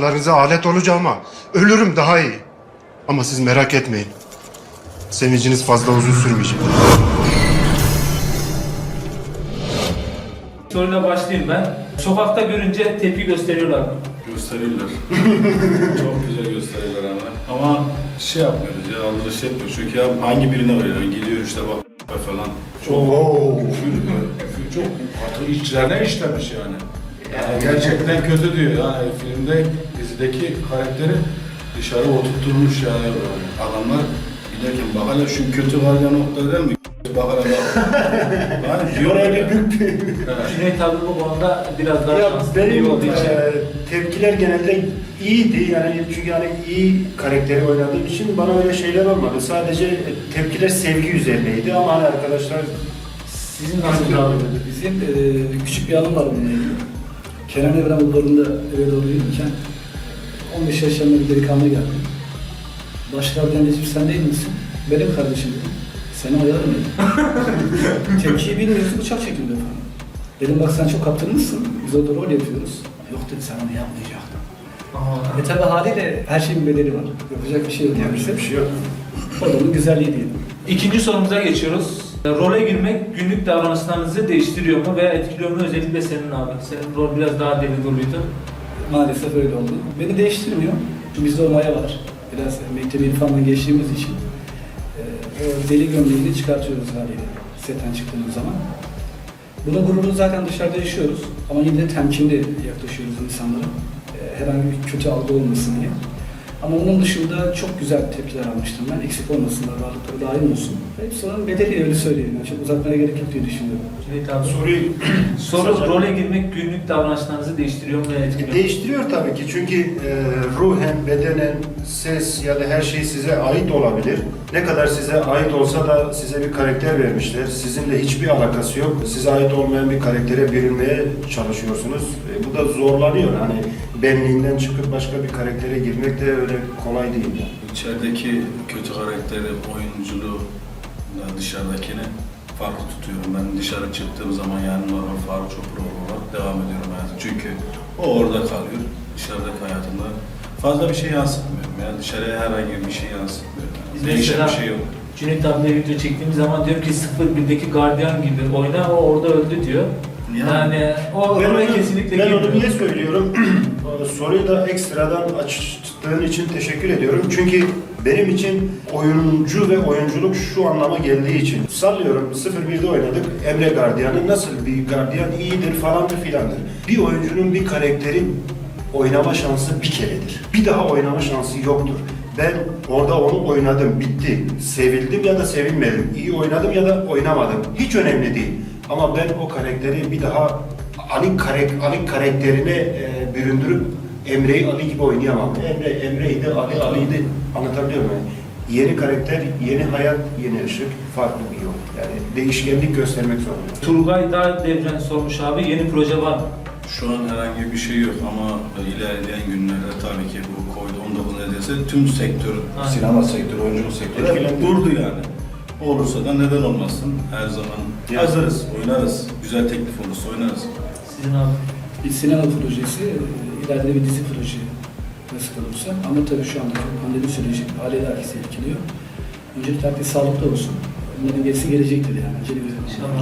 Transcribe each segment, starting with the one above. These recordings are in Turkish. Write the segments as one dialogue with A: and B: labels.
A: Laflarınıza alet olacağıma ölürüm daha iyi. Ama siz merak etmeyin. Sevinciniz fazla uzun sürmeyecek.
B: Soruyla başlayayım ben. Sokakta görünce tepki gösteriyorlar mı?
C: Gösterirler. Çok güzel gösterirler ama şey yapmıyoruz ya, aldırış yapmıyoruz. Çünkü ya hangi birine var ya, gidiyor işte bak falan. Çok küfür çok artık içlerine işlemiş yani. Yani gerçekten kötü diyor yani filmde, dizideki karakteri dışarı oturtturmuş yani adamlar giderken bak hele şu kötü var ya nokta değil mi? Bak hele bak. Yani diyor öyle büyük bir...
B: Cüneyt abi bu konuda biraz daha
D: Ya
B: şanslı
D: benim
B: olduğu için.
D: tepkiler genelde iyiydi yani çünkü yani iyi karakteri oynadığım için bana öyle şeyler olmadı. Sadece tepkiler sevgi üzerineydi ama hani arkadaşlar
B: Sizin nasıl abi?
E: Bizim küçük bir anım var bununla ilgili. Kenan Evren okullarında eve doğru yürürken 15 yaşlarında bir delikanlı geldi. Başgardiyan dedim, sen değil misin? Benim kardeşim dedim. Seni oyalarım dedim. Tepkiyi bilmiyorsun, bıçak çekildi efendim. Dedim bak sen çok kaptırmışsın, biz orada rol yapıyoruz. Yok dedi, sen onu yapmayacaktın. Tabi haliyle her şeyin bir bedeli var. Yapacak bir şey yok.
D: yapacak bir şey yok.
E: O da onun güzelliği diyelim.
B: İkinci sorumuza geçiyoruz. Role girmek günlük davranışlarınızı değiştiriyor mu veya etkiliyor mu? Özellikle senin abi. Senin rol biraz daha deli doluydu.
E: Maalesef öyle oldu. Beni değiştirmiyor. Çünkü bizde o maya var. Biraz mektebi irfandan geçtiğimiz için o deli gömleğini çıkartıyoruz haliyle setten çıktığımız zaman. Bunun gururunu zaten dışarıda yaşıyoruz ama yine de temkinli yaklaşıyoruz insanlara. Herhangi bir kötü algı olmasın diye. Ama onun dışında çok güzel tepkiler almıştım ben. Eksik olmasınlar, varlıkları daim olsun. Hepsi onun bedeli, öyle söyleyeyim. Yani çok uzatmaya gerek yok diye düşünüyorum.
B: Cüneyt abi.
D: Soru
B: Role girmek günlük davranışlarınızı değiştiriyor mu veya etkiliyor mu?
D: değiştiriyor tabii ki çünkü ruhen, bedenen, ses ya da her şey size ait olabilir. Ne kadar size ait olsa da size bir karakter vermişler. Sizinle hiçbir alakası yok. Size ait olmayan bir karaktere bürünmeye çalışıyorsunuz. Bu da zorlanıyor. Hani benliğinden çıkıp başka bir karaktere girmek de öyle kolay değil.
C: İçerideki kötü karakteri, oyunculuğu da dışarıdakini farklı tutuyorum. Ben dışarı çıktığım zaman yani normal Faruk Çopur olarak devam ediyorum hayatım. Çünkü o orada kalıyor. Dışarıdaki hayatımda fazla bir şey yansıtmıyorum. Yani dışarıya herhangi bir şey yansıtmıyorum.
B: Biz
C: Değişen
B: mesela
C: bir şey yok.
B: Cüneyt abiyle video çektiğimiz zaman diyor ki 01'deki gardiyan gibi oyna, o orada öldü diyor. Yani o oraya kesinlikle
D: ben
B: girmiyor.
D: onu niye söylüyorum? Soruyu da ekstradan açtığın için teşekkür ediyorum. Çünkü benim için oyuncu ve oyunculuk şu anlama geldiği için. Sallıyorum 01'de oynadık. Emre Gardiyan'ı nasıl bir gardiyan iyidir falandır filandır. Bir oyuncunun bir karakteri oynama şansı bir keredir. Bir daha oynama şansı yoktur. Ben orada onu oynadım, bitti. Sevildim ya da sevilmedim. İyi oynadım ya da oynamadım. Hiç önemli değil. Ama ben o karakteri bir daha Ali karakterine büründürüp Emre'yi Ali gibi oynayamam. Emre'ydi, Ali'ydi. Anlatabiliyor muyum? Yeni karakter, yeni hayat, yeni ışık, farklı bir yol. Yani değişkenlik göstermek zorunda.
B: Turgay Dağ Devren sormuş abi, yeni proje var mı?
C: Şu an herhangi bir şey yok ama ilerleyen günlerde tabii ki bu Covid-19 nedeniyle tüm sektör, sinema sektörü, oyunculuk sektörü
D: Etkilendi.
C: durdu yani. Olursa da neden olmasın? Her zaman hazırız, oynarız. Güzel teklif olursa oynarız.
B: Sizin abi.
E: Bir sinema projesi, ileride bir dizi projesi nasip olursa. Ama tabii şu anda pandemi süreci haliyle herkesi etkiliyor. Öncelikle herkes sağlıklı olsun. Bunların gerisi gelecektir yani. Acele bir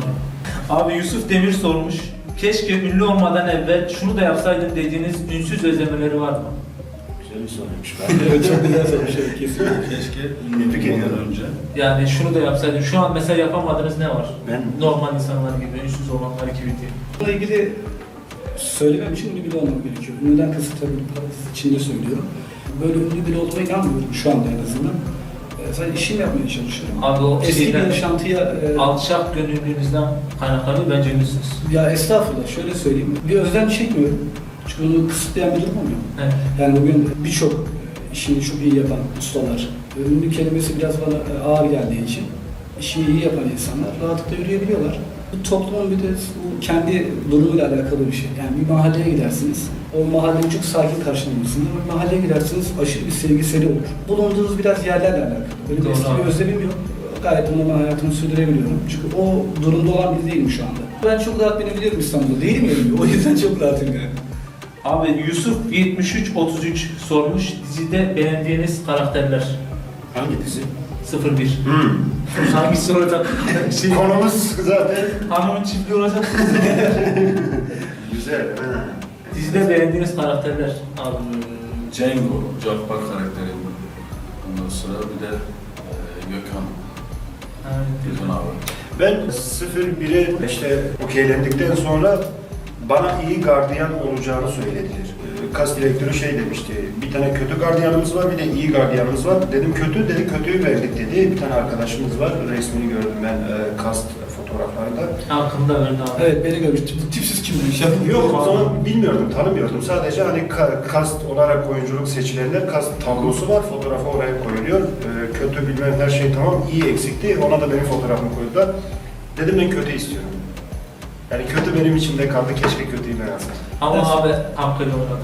B: Abi Yusuf Demir sormuş. Keşke ünlü olmadan evvel şunu da yapsaydım dediğiniz ünsüz özlemeleri var mı?
D: Güzel bir soruymuş.
E: Evet, çok güzel sormuş. Evet, kesinlikle.
C: Keşke ünlü olmadan önce.
B: Yani şunu da yapsaydım. Şu an mesela yapamadığınız ne var?
D: Ben
B: Normal insanlar gibi, ünsüz olanlar gibi diye.
E: Bununla ilgili söylemem için ünlü biri olmak gerekiyor. Ünlüden kasıt tabii parantez içinde söylüyorum. Böyle ünlü biri olduğuma inanmıyorum şu anda en azından. Sadece işimi yapmaya çalışıyorum.
B: Abi o
E: Eski bir
B: şeyden,
E: yaşantıya...
B: alçak gönüllülüğünüzden kaynaklanıyor, bence ünlüsünüz.
E: Ya estağfurullah, şöyle söyleyeyim. Bir özlem çekmiyorum. Çünkü bunu kısıtlayan bir durum olmuyor.
B: Evet.
E: Yani bugün birçok işini çok iyi yapan ustalar, ünlü kelimesi biraz bana ağır geldiği için işini iyi yapan insanlar rahatlıkla yürüyebiliyorlar. Bu toplumun bir de bu kendi durumuyla alakalı bir şey. Yani bir mahalleye gidersiniz, o mahalleyi çok sakin karşılamışsınız ama bir mahalleye gidersiniz aşırı bir sevgiseli olur. Bulunduğunuz biraz yerlerle alakalı. Böyle bir
B: Doğru.
E: eski bir özlemim yok. Gayet normal hayatımı sürdürebiliyorum. Çünkü o durumda olan biri değilim şu anda. Ben çok rahat binebiliyorum İstanbul'da. Değilim yani. O yüzden çok rahatım yani.
B: Abi Yusuf 7333 sormuş. Dizide beğendiğiniz karakterler.
D: Hangi dizi?
B: 01. Hangisi olacak? Şey,
D: Konumuz zaten
B: hanımın çiftliği olacak.
D: güzel. Ha.
B: Dizide beğendiğiniz karakterler abi.
C: Django, Jack Park karakteri. Ondan sonra bir de Gökhan. Gökhan abi.
D: Ben 0-1'e işte okeylendikten sonra bana iyi gardiyan olacağını söylediler. Kas direktörü şey demişti, bir tane kötü gardiyanımız var, bir de iyi gardiyanımız var. Dedim kötü, dedi kötüyü verdik dedi. Bir tane arkadaşımız var, resmini gördüm ben kast fotoğraflarında.
B: Hakkında verdi abi.
E: Evet, beni görmüştüm. Bu tipsiz kim demiş?
D: Yok o zaman bilmiyordum, tanımıyordum. Sadece hani kast olarak oyunculuk seçilenler, kast tablosu var, fotoğrafı oraya koyuluyor. Kötü bilmem her şey tamam, iyi eksikti, ona da benim fotoğrafımı koydular. Dedim ben kötü istiyorum. Yani kötü benim içimde kaldı, keşke kötüyü ben alsam.
B: Ama abi hakkıyla oynadı.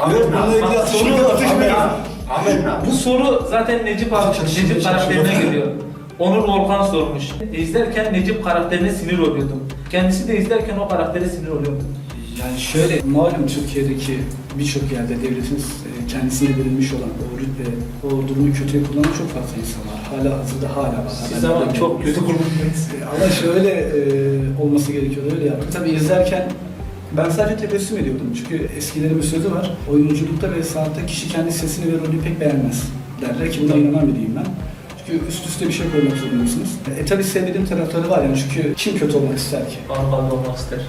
B: Bu soru zaten Necip karakterine geliyor. Onur Volkan sormuş. İzlerken Necip karakterine sinir oluyordum. Kendisi de izlerken o karaktere sinir oluyordu.
E: Yani şöyle, malum Türkiye'deki birçok yerde devletin kendisine verilmiş olan o rütbe, o durumu kötüye kullanan çok fazla insan var. Hala var.
B: Siz ama çok kötü kurulmuş.
E: Ama şöyle olması gerekiyordu, öyle yaptık. Tabii izlerken ben sadece tebessüm ediyordum. Çünkü eskilerin bir sözü var. Oyunculukta ve sanatta kişi kendi sesini ve rolünü pek beğenmez derler ki buna inanan biriyim ben. Çünkü üst üste bir şey koymak zorundasınız. Tabii sevmediğim tarafları var yani çünkü kim kötü olmak ister ki?
B: Arkalı olmak ister.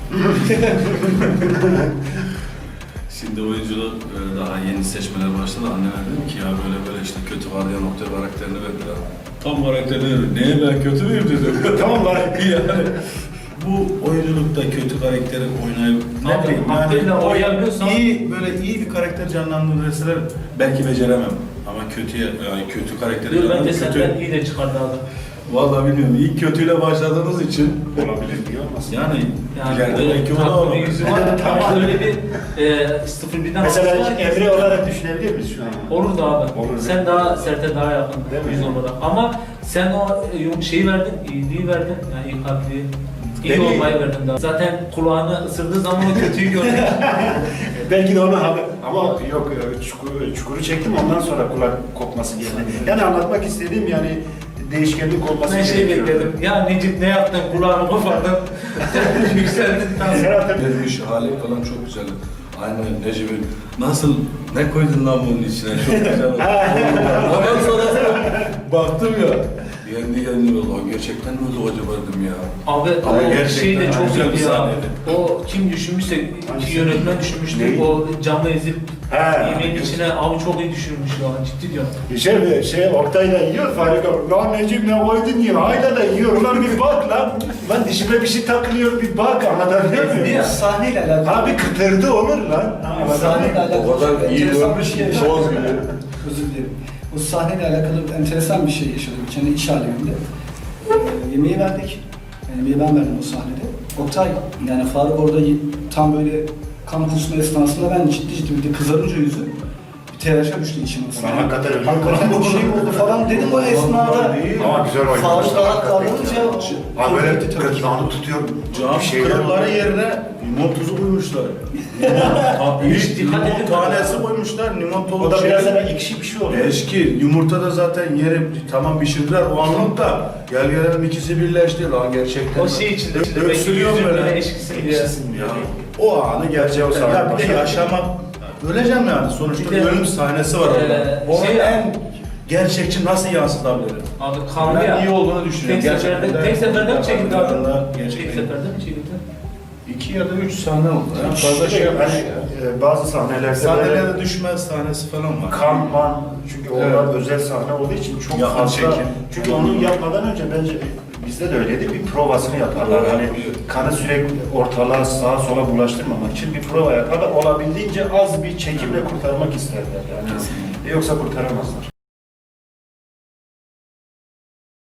C: Şimdi oyunculuk daha yeni seçmeler başladı. Anneler dedi ki ya böyle işte kötü var diye nokta karakterini verdiler. Tam karakterini verdi. Neye ben kötü müyüm dedi. Tam var yani. Bu oyunculukta kötü karakteri oynayıp ne bileyim
B: Hakkıyla oynayabiliyorsan
C: iyi böyle iyi bir karakter canlandırırsalar belki beceremem. Ama kötü karakteri
B: bence senden iyi de çıkardı abi.
C: Vallahi bilmiyorum. İlk kötüyle başladığınız için
D: Olabilir, niye olmasın?
C: yani ileride
B: böyle
C: belki o da
B: tatlı bir
C: olabilir.
B: yüzü var. Ama öyle bir 01'den
D: Mesela
B: almışlar ki-
D: Emre olarak düşünebilir miyiz şu an?
B: Olurdu abi.
D: Olur.
B: Sen daha Sert'e daha yakın
D: Değil mi?
B: yüz olarak. Ama sen o şeyi verdin, iyiliği verdin. Yani iyi kalpliği. İyi
D: Beni-
B: olmayı verdin daha. Zaten kulağını ısırdığı zaman o kötüyü gördük.
D: Belki de ona ama yok çukuru çektim ondan sonra kulak kopması geldi. Yani anlatmak istediğim yani değişkenlik olması
B: Ben şey bekledim. Ya Necip ne yaptın? Kulağını kopardın. Yükseldin. Tamam.
D: Serhat'ın
C: Vermiş hali falan çok güzel. Aynı Necip'in nasıl ne koydun lan bunun içine çok güzel oldu. Ondan sonra baktım ya. Yendi Allah gerçekten mi oldu acaba dedim ya.
B: Abi
C: Ama
B: o
C: gerçekten
B: şey de çok
C: güzel bir
B: iyi ya.
C: sahneydi.
B: O kim düşünmüşse,
D: Hangisi?
B: yönetmen düşünmüştü.
D: Neyi?
B: O camı ezip
D: He.
B: yemeğin içine abi çok iyi düşürmüş ya. Ciddi diyorum.
D: Oktay'la yiyor Farik abi. Lan Necip ne koydun yiyor. Hayla da yiyor. Ulan bir bak lan. Lan dişime bir şey takılıyor bir bak. Anlatabiliyor
B: Ezdi
D: muyum?
B: ya.
E: Sahneyle alakalı.
D: Abi kıtırdı olur lan.
E: Sahneyle alakalı.
C: O kadar iyi
E: enteresan
C: görmüş
E: bir
C: ki,
E: şey yaşadım.
C: toz gibi.
E: Özür dilerim. O sahneyle alakalı enteresan bir şey yaşadım. Kendi iş halimde. Yemeği verdik. Yani yemeği ben verdim o sahnede. Oktay, yani Faruk orada tam böyle kan kusma esnasında ben ciddi bir de kızarınca yüzü bir telaşa düştü içime.
D: Lan hakikaten öyle
E: Hakikaten bir şey oldu falan dedim o esnada.
D: Ama güzel oynamış.
E: Faruk daha kalınca
D: Ha böyle gırtlağını tutuyor.
C: Cam
D: Bir şeyler
C: kırıkları
D: oluyor.
C: yerine limon tuzu koymuşlar.
B: Hiç dikkat
C: Limon
B: edin.
C: tanesi koymuşlar, limon tozu.
D: O da biraz daha ekşi bir şey oluyor.
C: Eski yumurta da zaten yeri tamam pişirdiler o anlamda gel gelelim ikisi birleşti lan gerçekten.
B: O şey içinde.
C: Öksürüyor
B: Yüzün
C: böyle.
B: böyle eşkisin diye.
C: Ya, o anı gerçekten ya bir de yaşamak öleceğim yani sonuçta
B: Bir de-
C: ölüm sahnesi var orada. Onun
B: şey-
C: en gerçekçi nasıl yansıtabilirim?
B: Abi kanlı
C: Ben
B: ya.
C: iyi olduğunu düşünüyorum.
B: Tek seferde mi çekildi abi? Tek
C: Gerçekten.
B: seferde mi çekildi?
C: 2 ya da 3 sahne oldu. Yani fazla şey yapmış.
D: Bazı sahnelerde böyle
C: Sahnelerde düşmez sahnesi falan var.
D: kan man çünkü onlar
C: Evet.
D: özel sahne olduğu için çok
C: Yakın
D: fazla.
C: çekim.
D: Çünkü onu yapmadan önce bence bizde de öyleydi bir provasını yaparlar.
C: Evet,
D: Hani
C: evet.
D: kanı sürekli ortalığa sağa sola bulaştırmamak için bir prova yaparlar. Olabildiğince az bir çekimle kurtarmak isterler yani. Yoksa kurtaramazlar.